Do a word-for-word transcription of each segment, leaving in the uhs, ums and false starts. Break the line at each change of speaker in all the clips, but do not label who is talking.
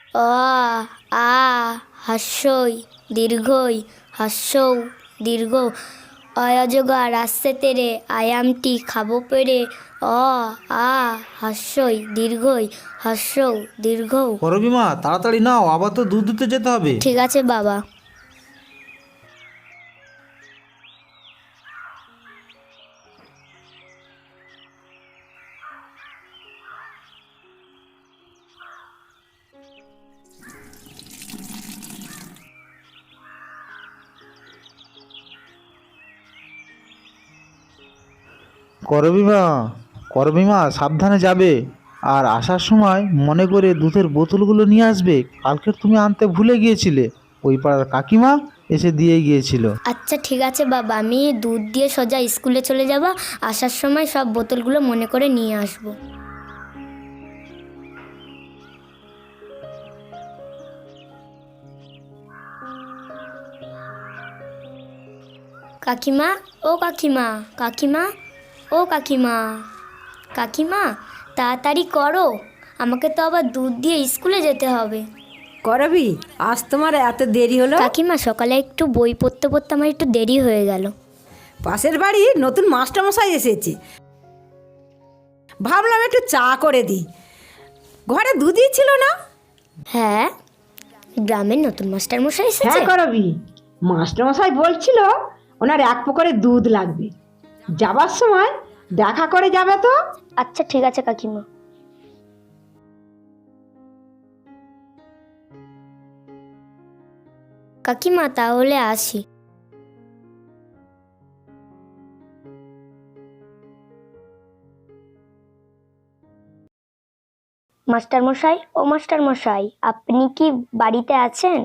অ আ হস্যই দীর্ঘই হস্যৌ দীর্ঘ অয়জগার আসছে তেরে আয়ামটি খাবো পেরে অ আ হস্যই দীর্ঘই হস্যৌ দীর্ঘ।
করবি মা, তাড়াতাড়ি নাও, আবার তো দুধ দিতে যেতে হবে।
ঠিক আছে বাবা।
করবি মা, করবি মা, সাবধানে যাবে, আর আসার সময় মনে করে দুধের বোতলগুলো নিয়ে আসবে। কালকে তুমি আনতে ভুলে গিয়েছিলে, ওই পাড়ার কাকিমা এসে দিয়ে গিয়েছিল।
আচ্ছা ঠিক আছে বাবা, আমি দুধ দিয়ে সোজা স্কুলে চলে যাব, আসার সময় সব বোতলগুলো মনে করে নিয়ে আসবো। কাকিমা, ও কাকিমা, কাকিমা, ও কাকিমা, কাকিমা তাড়াতাড়ি করো, আমাকে তো আবার দুধ দিয়ে স্কুলে যেতে হবে।
করবি, আজ তোমার এত দেরি হলো?
কাকিমা সকালে একটু বই পড়তে পড়তে আমার একটু দেরি হয়ে গেল।
পাশের বাড়ি নতুন মাস্টারমশাই এসেছে, ভাবলাম একটু চা করে দিই। ঘরে দুধই ছিল না।
হ্যাঁ, গ্রামের নতুন মাস্টার মশাই এসেছে।
হ্যাঁ করবি, মাস্টারমশাই বলছিল ওনার এক পুকুরে দুধ লাগবে, যাবার সময় দেখা করে যাবে তো।
আচ্ছা ঠিক আছে কাকিমা। কাকিমা তাহলে আসি। মাস্টার মশাই, ও মাস্টার মশাই, আপনি কি বাড়িতে আছেন?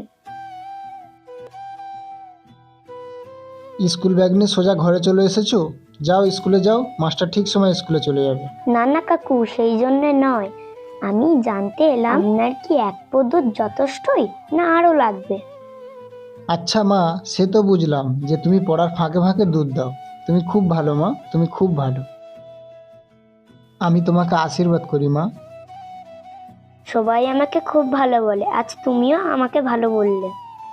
স্কুল ব্যাগ নিয়ে সোজা ঘরে চলে এসেছো? যাও স্কুলে যাও, মাস্টার ঠিক সময় স্কুলে চলে যাবে।
না না কাকু, সেই জন্যে নয়, আমি জানতে এলাম আপনার কি এক পো দুধ যথেষ্টই না আরো লাগবে?
আচ্ছা মা, সে তো বুঝলাম যে তুমি পড়ার ফাঁকে ফাঁকে দুধ দাও। তুমি খুব ভালো মা, তুমি খুব ভালো। আমি তোমাকে আশীর্বাদ করি মা।
সবাই আমাকে খুব ভালো বলে, আজ তুমিও আমাকে ভালো বললে।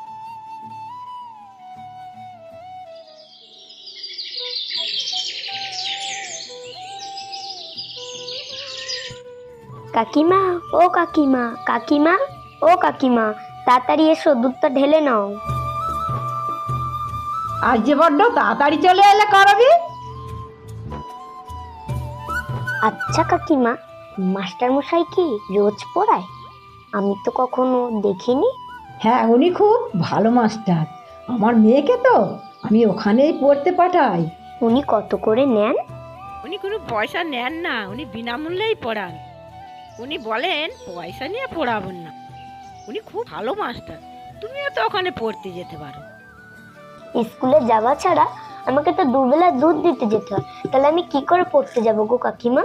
কাকিমা, ও কাকিমা, কাকিমা, ও কাকিমা, তাড়াতাড়ি এসো, দুধটা ঢেলে নাও।
আজ যে বড্ড তাড়াতাড়ি চলে এলে করবি।
আচ্ছা কাকিমা, মাস্টার মশাই কি রোজ পড়ায়? আমি তো কখনো দেখিনি।
হ্যাঁ, উনি খুব ভালো মাস্টার। আমার মেয়েকে তো আমি ওখানেই পড়তে পাঠাই।
উনি কত করে নেন?
উনি কোনো পয়সা নেন না, উনি বিনামূল্যেই পড়ান। উনি বলেন পয়সা নিয়ে পড়াবেন না। উনি খুব ভালো মাস্টার, তুমিও তো ওখানে পড়তে যেতে পারো।
স্কুলে যাওয়া ছাড়া আমাকে তো দুবেলা দুধ দিতে যেতে হয়, তাহলে আমি কি করে পড়তে যাবো গো কাকিমা?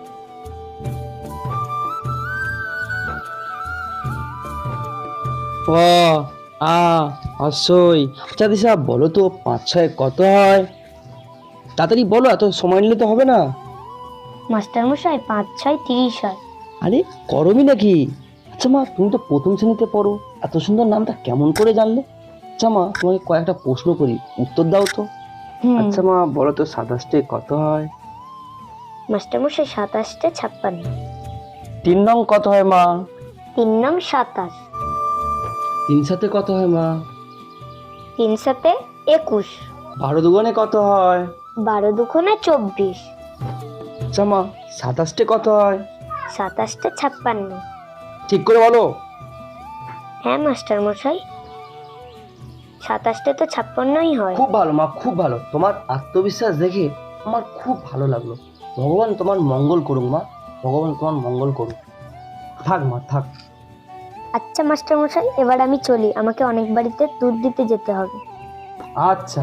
ও আ হস্যই। আচ্ছা দিশা, বলো তো পাঁচ ছয় কত হয়? তাড়াতাড়ি বলো, এত সময় নিলে তো হবে না।
মাস্টার মশাই, পাঁচ ছয় তিরিশ হয়।
আরে করবি নাকি? আচ্ছা মা, তুমি তো প্রথম শ্রেণীতে পড়ো, এত সুন্দর নামটা কেমন করে জানলে? আচ্ছা মা, তোমাকে কয়েকটা প্রশ্ন করি, উত্তর দাও তো।
হুম।
আচ্ছা মা, বলো তো সাতাশটে কত হয়?
মাস্টার মশাই, সাতাশটে ছাপ্পান্ন।
তিন নং কত হয় মা?
তিন নং সাতাশ।
তিন সাথে কত হয় মা?
তিন সাথে একুশ।
বারো দুগুণে কত হয়?
বারো দুগুণে চব্বিশ।
আচ্ছা মা, সাতাশটে কত হয়?
সাতাশটে ছাপ্পান্ন।
ঠিক করে বলো।
হ্যাঁ মাস্টার মশাই, সাতাশটে তো ছাপ্পান্নই হয়।
খুব ভালো মা, খুব ভালো। তোমার আত্মবিশ্বাস দেখে আমার খুব ভালো লাগলো। ভগবান তোমার মঙ্গল করুক মা, ভগবান তোমার মঙ্গল করুক। থাক মা, থাক।
আচ্ছা মাস্টার মশাই, এবার আমি চলি, আমাকে অনেক বাড়িতে দুধ দিতে যেতে হবে।
আচ্ছা।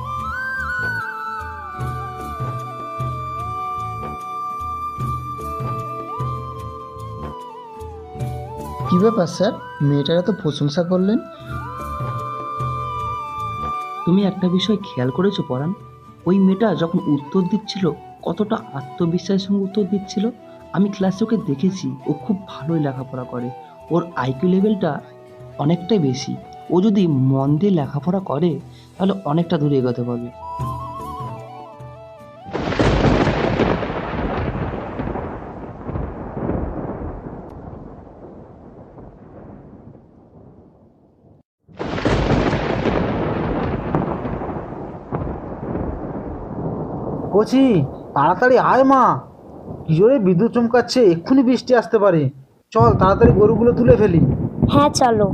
কি ব্যাপার স্যার, মেয়েটার এত প্রশংসা করলেন?
তুমি একটা বিষয় খেয়াল করেছো পরাণ? ওই মেয়েটা যখন উত্তর দিচ্ছিল কতটা আত্মবিশ্বাসের সঙ্গে উত্তর দিচ্ছিল। আমি ক্লাসে ওকে দেখেছি, ও খুব ভালোই লেখাপড়া করে, ওর আইকিউ লেভেলটা অনেকটাই বেশি। ও যদি মন দিয়ে লেখাপড়া করে তাহলে অনেকটা দূরে এগোতে পারবে।
কচি, তাড়াতাড়ি আয় মা, কি জোরে বিদ্যুৎ চমকাচ্ছে, এক্ষুনি বৃষ্টি আসতে পারে। চল তাড়াতাড়ি গরুগুলো তুলে ফেলি।
হ্যাঁ চলো।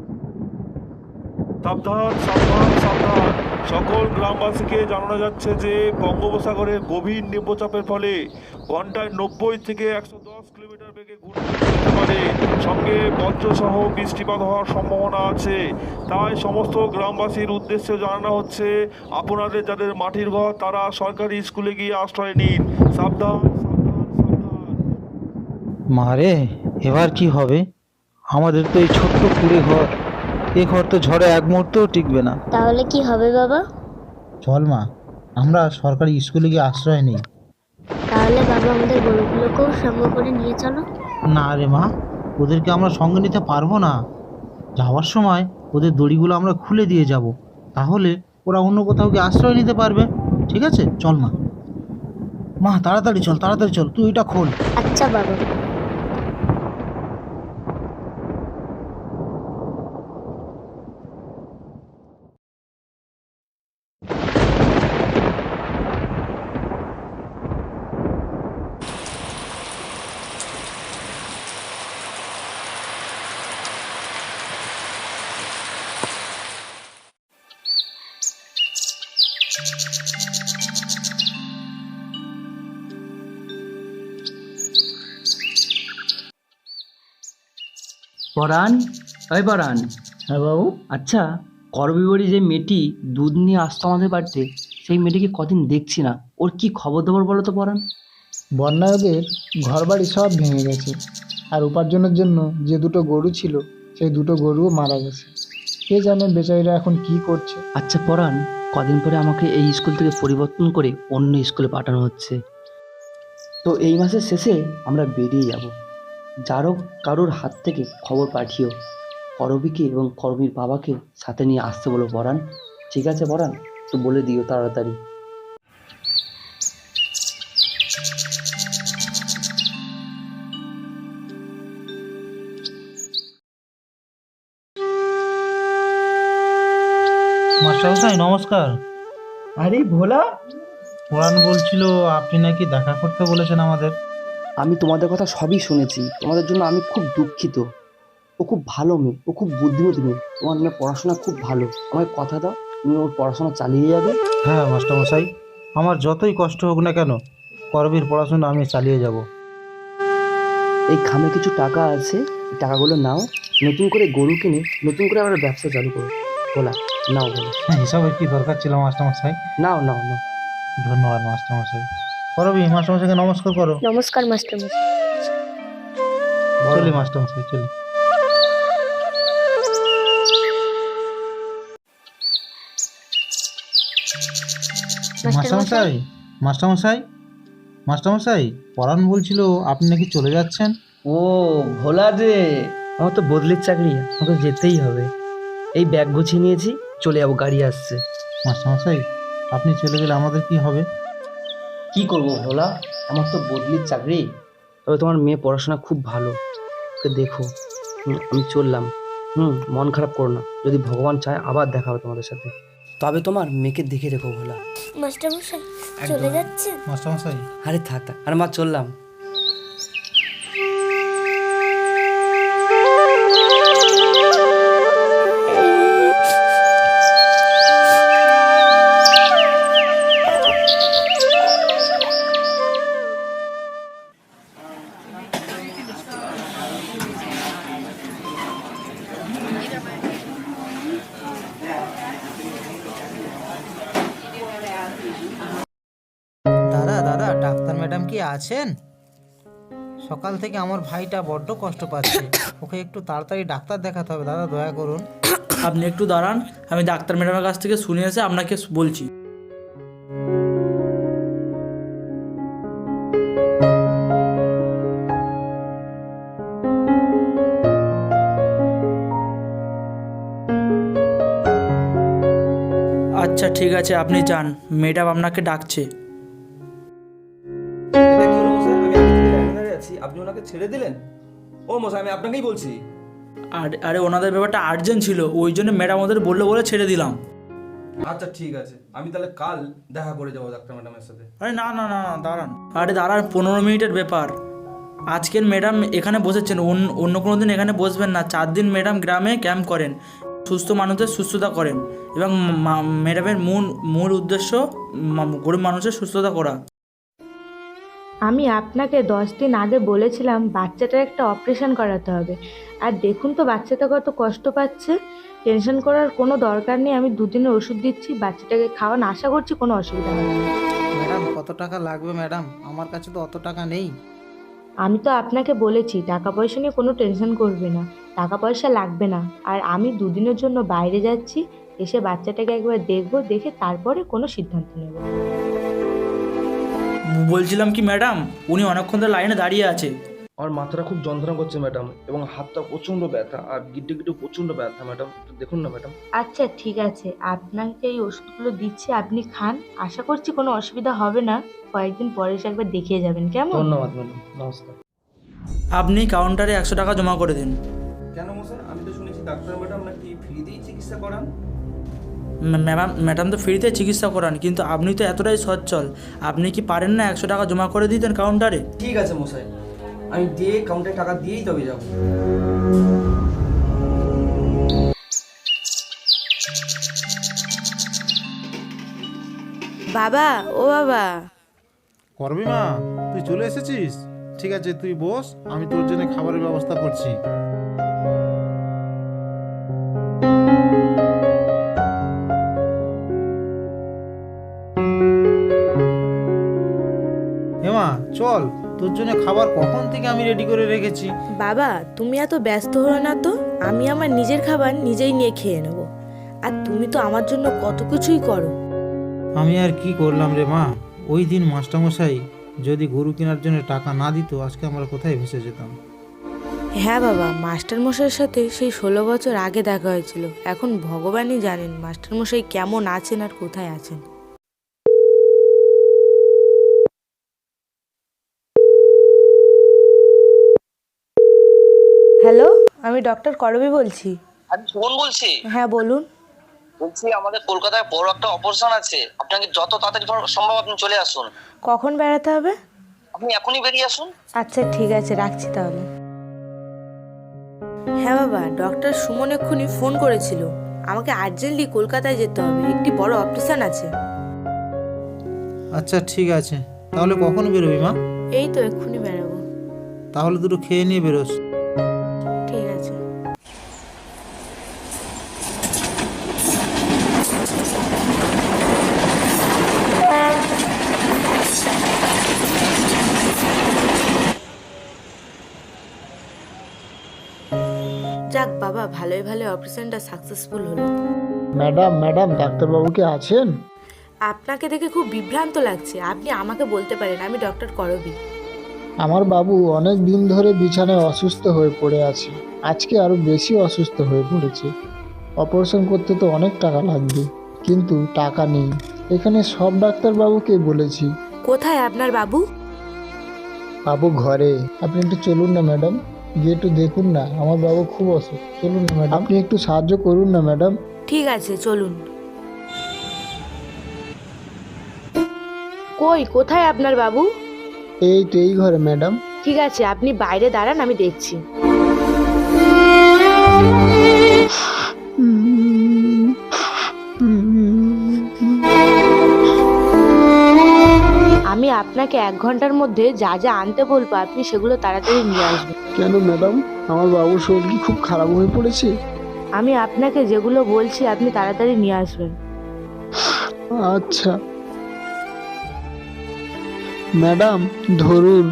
সাবধান সাবধান সাবধান! সকল গ্রামবাসীকে জানানো যাচ্ছে যে বঙ্গোপসাগরের গভীর নিম্নচাপের ফলে ঘন্টায় নব্বই থেকে একশো দশ কিলোমিটার বেগে ঘূর্ণিঝড় হতে পারে, সঙ্গে বজ্রসহ বৃষ্টিপাত হওয়ার সম্ভাবনা আছে। তাই সমস্ত গ্রামবাসীর উদ্দেশ্যে জানানো হচ্ছে, আপনাদের যাদের মাটির ঘর তারা সরকারি স্কুলে গিয়ে আশ্রয় নিন। সাবধান সাবধান সাবধান!
মারে, এবার কি হবে? আমাদের তো এই ছোট্ট কুড়ে ঘর, এ ঘর তো ঝড়ে এক মুহূর্তও টিকবে না।
তাহলে কি হবে বাবা?
চল মা, আমরা সরকারি স্কুলে গিয়ে আশ্রয় নিই।
তাহলে বাবা আমাদের গরুগুলোকেও সঙ্গে করে নিয়ে চলো।
না রে মা, ওদেরকে আমরা সঙ্গে নিতে পারবো না। যাওয়ার সময় ওদের দড়িগুলো আমরা খুলে দিয়ে যাব, তাহলে ওরা অন্য কোথাও গিয়ে আশ্রয় নিতে পারবে। ঠিক আছে, চল মা। মা তাড়াতাড়ি চল, তাড়াতাড়ি চল, তুই এটা খোল।
আচ্ছা বাবা।
পরাণ, ওই পরাণ।
হ্যাঁ বাবু।
আচ্ছা, করবিবাড়ি যে মেয়েটি দুধ নিয়ে আসতো আমাদের বাড়িতে, সেই মেয়েটিকে কদিন দেখছি না। ওর কি খবর দেবর বলো তো পরাণ?
বন্যায় ওদের ঘর বাড়ি সব ভেঙে গেছে, আর উপার্জনের জন্য যে দুটো গরু ছিল সেই দুটো গরুও মারা গেছে। কে জানে বেচারিরা এখন কি করছে।
আচ্ছা পরাণ, কদিন পরে আমাকে এই স্কুল থেকে পরিবর্তন করে অন্য স্কুলে পাঠানো হচ্ছে। তো এই মাসের শেষে আমরা বেরিয়ে যাব। যারও কারোর হাত থেকে খবর পাঠিও, করবীকে এবং করবীর বাবাকে সাথে নিয়ে আসতে বলো পরাণ। ঠিক আছে পরাণ, তো বলে দিও তাড়াতাড়ি।
মাস্টারমশাই নমস্কার।
আরে ভোলা,
পুরাণ বলছিল আপনি নাকি দেখা করতে বলেছেন আমাদের।
আমি তোমাদের কথা সবই শুনেছি। তোমাদের জন্য আমি খুব দুঃখিত। ও খুব ভালো মেয়ে, ও খুব বুদ্ধিমতী মেয়ে। তোমার মেয়ে পড়াশোনা খুব ভালো। আমায় কথা দাও, তুমি ওর পড়াশোনা চালিয়ে যাবে।
হ্যাঁ মাস্টারমশাই, আমার যতই কষ্ট হোক না কেন, করবীর পড়াশোনা আমি চালিয়ে যাব।
এই খামে কিছু টাকা আছে, এই টাকাগুলো নাও, নতুন করে গরু কিনে নতুন করে আবার ব্যবসা চালু করো। বলা, নাও বলো।
হ্যাঁ, হিসাবের কি দরকার ছিল মাস্টারমশাই?
নাও নাও নাও।
ধন্যবাদ মাস্টারমশাই। করবি, মাস্টারমশাইকে নমস্কার করো।
নমস্কার মাস্টারমশাই।
চলি মাস্টারমশাই, চলি। মাস্টারমশাই, মাস্টারমশাই, মাস্টারমশাই, পরাণ বলছিল আপনি নাকি চলে যাচ্ছেন।
ও ভোলা যে, আমার তো বদলির চাকরি, আমাকে যেতেই হবে। এই ব্যাগ গুছিয়ে নিয়েছি, চলে যাবো, গাড়ি আসছে।
মাস্টারমশাই, আপনি চলে গেলে আমাদের কি হবে?
কি করবো ভোলা, আমার তো বদলির চাকরি। তবে তোমার মেয়ে পড়াশোনা খুব ভালো, ওকে দেখো। হুম, আমি চললাম। হুম, মন খারাপ করো না, যদি ভগবান চায় আবার দেখা হবে তোমাদের সাথে। তবে তোমার মেয়েকে দেখে রেখো ভোলা।
মাস্টারমশাই চলে যাচ্ছে?
মাস্টারমশাই,
আরে থাক থাক, আরে মা চললাম।
দাদা দাদা, ডাক্তার ম্যাডাম কি আছেন? সকাল থেকে আমার ভাইটা বড্ড কষ্ট পাচ্ছে, ওকে একটু তাড়াতাড়ি ডাক্তার দেখাতে হবে দাদা, দয়া করুন।
আপনি একটু দাঁড়ান, আমি ডাক্তার ম্যাডামের কাছ থেকে শুনে এসে আপনাকে বলছি। আচ্ছা ঠিক আছে, আপনি যান, ম্যাডাম আপনাকে ডাকছে।
এটা কি হলো মশাই? আমি আগে থেকে লাইনে দাঁড়িয়ে আছি, আপনি ওনাকে ছেড়ে দিলেন? ও মশাই, আমি আপনাকেই বলছি।
আর আরে ওনাদের ব্যাপারটা আর্জেন্ট ছিল, ওই জন্য ম্যাডাম ওদের বললো বলে ছেড়ে দিলাম।
আচ্ছা ঠিক আছে, আমি তাহলে কাল দেখা করে যাবো ডাক্তার ম্যাডামের সাথে।
আরে না না না না, দাঁড়ান। আরে দাঁড়ান, পনেরো মিনিটের ব্যাপার। আজকের ম্যাডাম এখানে বসেছেন, অন্য অন্য কোনো দিন এখানে বসবেন না। চার দিন ম্যাডাম গ্রামে ক্যাম্প করেন, সুস্থ মানুষদের সুস্থতা করেন, এবং মা- ম্যাডামের মূল মূল উদ্দেশ্য মা- গরিব মানুষের সুস্থতা করা।
আমি আপনাকে দশ দিন আগে বলেছিলাম বাচ্চাটার একটা অপারেশন করাতে হবে, আর দেখুন তো বাচ্চাটা কত কষ্ট পাচ্ছে। টেনশন করার কোনো দরকার নেই, আমি দুদিনের ওষুধ দিচ্ছি, বাচ্চাটাকে খাওয়ান, আশা করছি কোনো অসুবিধা হবে না।
ম্যাডাম কত টাকা লাগবে ম্যাডাম? আমার কাছে তো অত টাকা নেই।
আমি তো আপনাকে বলেছি টাকা পয়সা নিয়ে কোনো টেনশন করবে না, টাকা পয়সা লাগবে না। আর আমি দুদিনের জন্য বাইরে যাচ্ছি, এসে বাচ্চাটাকে একবার দেখবো, দেখে তারপরে কোনো সিদ্ধান্ত নেব।
বলছিলাম কি ম্যাডাম, উনি অনেকক্ষণ ধরে লাইনে দাঁড়িয়ে আছে।
আমার মাথাটা খুব যন্ত্রণা করছে ম্যাডাম, এবং হাতটা প্রচণ্ড ব্যথা, আর গিট্টে গিট্টে প্রচণ্ড ব্যথা ম্যাডাম, একটু দেখুন না ম্যাডাম।
আচ্ছা ঠিক আছে, আপনাকে এই ওষুধগুলো দিচ্ছি, আপনি খান, আশা করছি কোনো অসুবিধা হবে না। কয়েকদিন পরে এসে একবার দেখিয়ে যাবেন, কেমন?
ধন্যবাদ ম্যাডাম, নমস্কার।
আপনি কাউন্টারে একশো টাকা জমা করে দিন।
কেন মশাই? আমি তো শুনেছি ডাক্তার ম্যাডাম নাকি ফ্রিতেই চিকিৎসা করান।
ম্যাডাম ম্যাডাম তো ফ্রিতে চিকিৎসা করান, কিন্তু আপনি তো এতটাই সচ্ছল, আপনি কি পারেন না একশো টাকা জমা করে দিতেন কাউন্টারে?
ঠিক আছে মশাই, আমি দিয়ে কাউন্টারে টাকা দিয়েই তবে যাবো।
বাবা, ও বাবা।
করবি মা, তুই চলে এসেছিস? ঠিক আছে, তুই বস, আমি তোর জন্য খাবারের ব্যবস্থা করছি। হেমা চল, তোর জন্য খাবার কখন থেকে আমি রেডি করে রেখেছি।
বাবা, তুমি এত ব্যস্ত হও না তো, আমি আমার নিজের খাবার নিজেই নিয়ে খেয়ে নেব। আর তুমি তো আমার জন্য কত কিছুই করো।
আমি আর কি করলাম রে মা, ওই দিন মাস্টারমশাই যদি গরু কেনার জন্য টাকা না দিত, আজকে আমরা কোথায় ভেসে যেতাম।
হ্যাঁ বাবা, মাস্টারমশাইয়ের সাথে সেই ষোলো বছর আগে দেখা হয়েছিল। এখন ভগবানই জানেন মাস্টারমশাই কেমন আছেন আর কোথায় আছেন। হ্যালো, আমি ডক্টর করবী বলছি।
আমি সুমন বলছি।
হ্যাঁ বলুন।
বলছি আমাদের কলকাতায় বড় একটা অপারেশন আছে, আপনাকে যত তাড়াতাড়ি সম্ভব আপনি চলে আসুন।
কখন বেড়াতে হবে?
আপনি এখনই বেরিয়ে আসুন।
আচ্ছা ঠিক আছে, রাখছি তাহলে। হ্যাঁ বাবা, ডক্টর সুমন এক্ষুনি ফোন করেছিল, আমাকে আর্জেন্টলি কলকাতায় যেতে হবে, একটি বড় অপারেশন আছে।
আচ্ছা ঠিক আছে, তাহলে কখন বেরোবি মা?
এই তো এক্ষুনি বেরাবো।
তাহলে দুটো খেয়ে নিয়ে বেরোস।
ঠিক আছে। যাক বাবা, ভালোই ভালো অপারেশনটা সাকসেসফুল হলো।
ম্যাডাম ম্যাডাম ডাক্তারবাবু কি আছেন?
আপনাকে দেখে খুব বিভ্রান্ত লাগছে, আপনি আমাকে বলতে পারেন, আমি ডক্টর করবী।
আমার বাবু অনেক দিন ধরে বিছানায় অসুস্থ হয়ে পড়ে আছে, আজকে আরো বেশি অসুস্থ হয়ে পড়েছে। অপারেশন করতে তো অনেক টাকা লাগবে, কিন্তু টাকা নেই। এখানে সব ডাক্তারবাবুকে বলেছি।
কোথায় আপনার বাবু?
বাবু ঘরে। আপনি একটু চলুন না ম্যাডাম, গিয়ে একটু দেখুন না, আমার বাবু খুব অসুস্থ। চলুন না ম্যাডাম, আপনি একটু সাহায্য করুন না ম্যাডাম।
ঠিক আছে চলুন। কই, কোথায় আপনার বাবু?
এই তো এই ঘরে ম্যাডাম।
ঠিক আছে, আপনি বাইরে দাঁড়ান, আমি দেখছি। আমি আপনাকে এক ঘন্টার মধ্যে যা যা আনতে বলবো আপনি সেগুলো তাড়াতাড়ি নিয়ে আসবেন।
কেন ম্যাডাম, আমার বাবুর শরীর কি খুব খারাপ হয়ে পড়েছে?
আমি আপনাকে যেগুলো বলছি আপনি তাড়াতাড়ি নিয়ে আসবেন।
আচ্ছা ম্যাডাম, ধরুন।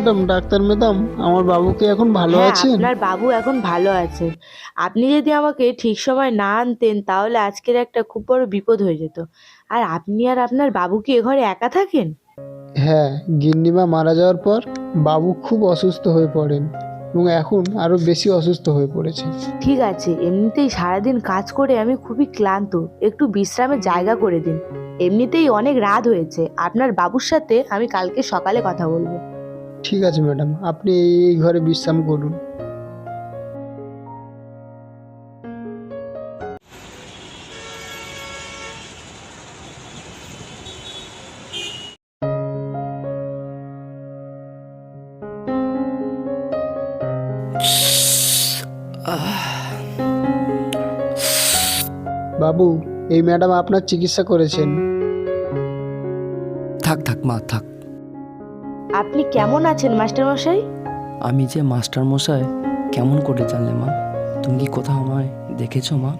ম্যাডাম, ডাক্তার ম্যাডাম, আমার বাবুকে এখন ভালো
হ্যাঁ,
আছেন?
আপনার বাবু এখন ভালো আছে। আপনি যদি আমাকে ঠিক সময় না আনতেন তাহলে আজকের একটা খুব বড় বিপদ হয়ে যেত। আর আপনি আর আপনার বাবু কি এ ঘরে একা থাকেন?
হ্যাঁ, গিন্নিমা মারা যাওয়ার পর বাবু খুব অসুস্থ হয়ে পড়েন এবং এখন আরো বেশি অসুস্থ হয়ে পড়েছে।
ঠিক আছে, এমনিতেই সারাদিন কাজ করে আমি খুবই ক্লান্ত, একটু বিশ্রামের জায়গা করে দিন। এমনিতেই অনেক রাত হয়েছে, আপনার বাবুর সাথে আমি কালকে সকালে কথা বলবো।
ঠিক আছে ম্যাডাম, আপনি এই ঘরে বিশ্রাম করুন। বাবু, এই ম্যাডাম আপনার চিকিৎসা করেছেন।
থাক থাক মা থাক।
আপনি কেমন আছেন মাস্টারমশাই?
আমি যে মাস্টার মশাই কেমন করে জানলে মা? তুমি কি কোথাও আমায় দেখেছো মা?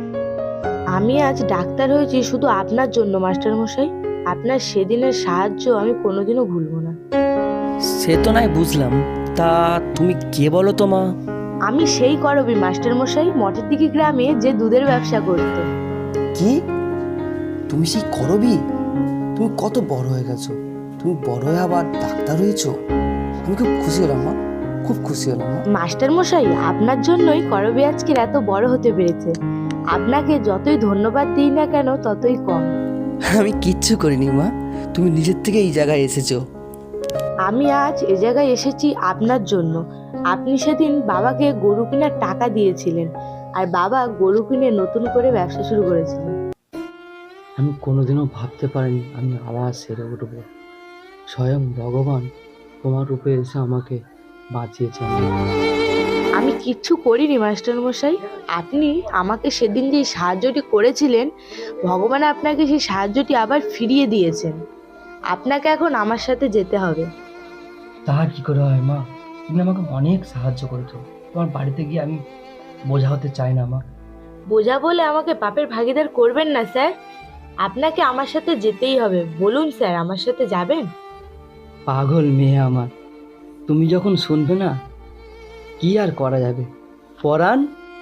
আমি আজ ডাক্তার হয়েছি শুধু আপনার জন্য মাস্টারমশাই। আপনার সেদিনের সাহায্য আমি কোনোদিনও ভুলবো না।
সে তো নাই বুঝলাম, তা তুমি কে বলো তো মা?
আমি সেই করবি মাস্টারমশাই, মঠের দিকে গ্রামে যে দুধের ব্যবসা করত।
কি? তুমি সেই করবি? তুমি কত বড় হয়ে গেছো, তুমি বড় হয়ে আবার ডাক্তার হয়েছো। আমি খুব খুশি হলাম মা, খুব খুশি হলাম মা।
মাস্টারমশাই, আপনার জন্যই করবি আজকের এত বড় হতে পেরেছে। আপনাকে যতই ধন্যবাদ দিই না কেন ততই কম।
আমি কিচ্ছু করিনি মা, তুমি নিজের থেকে এই জায়গায় এসেছো।
আমি আজ এ জায়গায় এসেছি আপনার জন্য। আপনি সেদিন বাবাকে গরু কেনার টাকা দিয়েছিলেন, আর বাবা গরু কিনে নতুন করে ব্যবসা শুরু করেছিলেন।
আমি কোনোদিনও ভাবতে পারিনি আমি আবার সেরে উঠবো। স্বয়ং ভগবান তোমার রূপে এসে আমাকে বাঁচিয়েছেন।
আমি কিচ্ছু করিনি মাস্টারমশাই, আপনি আমাকে সেদিন যে সাহায্যটি করেছিলেন, ভগবান আপনাকে সেই সাহায্যটি আবার ফিরিয়ে দিয়েছেন। আপনাকে এখন আমার সাথে যেতে হবে।
তা কি করে হয় মা? তুমি আমাকে অনেক সাহায্য করেছো। তোমার বাড়িতে গিয়ে আমি বোঝা হতে চাই না মা।
বোঝা বলে আমাকে পাপের ভাগীদার করবেন না স্যার। আপনাকে আমার সাথে যেতেই হবে। বলুন স্যার, আমার সাথে যাবেন?
পাগল মেয়ে আমার, তুমি যখন শুনবে না কি আর করা যাবে। পরাণ,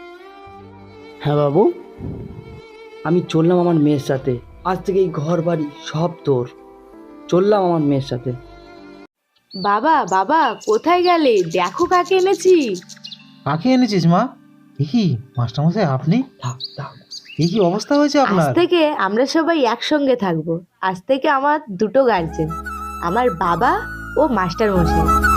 হ্যাঁ বাবু,
আমি চললাম আমার মেয়ের সাথে। আজ থেকে এই ঘর বাড়ি সব তোর। চললাম আমার মেয়ের সাথে।
বাবা, বাবা, কোথায় গেলে? দেখো কাকে এনেছি।
কাকে এনেছিস মা? এ কি মাস্টারমশাই আপনি?
থাক থাক।
এ কি অবস্থা হয়েছে
আজ
আপনার?
থেকে আমরা সবাই একসঙ্গে থাকবো। আজ থেকে আমার দুটো গার্জেন, আমার বাবা ও মাস্টার মশাই।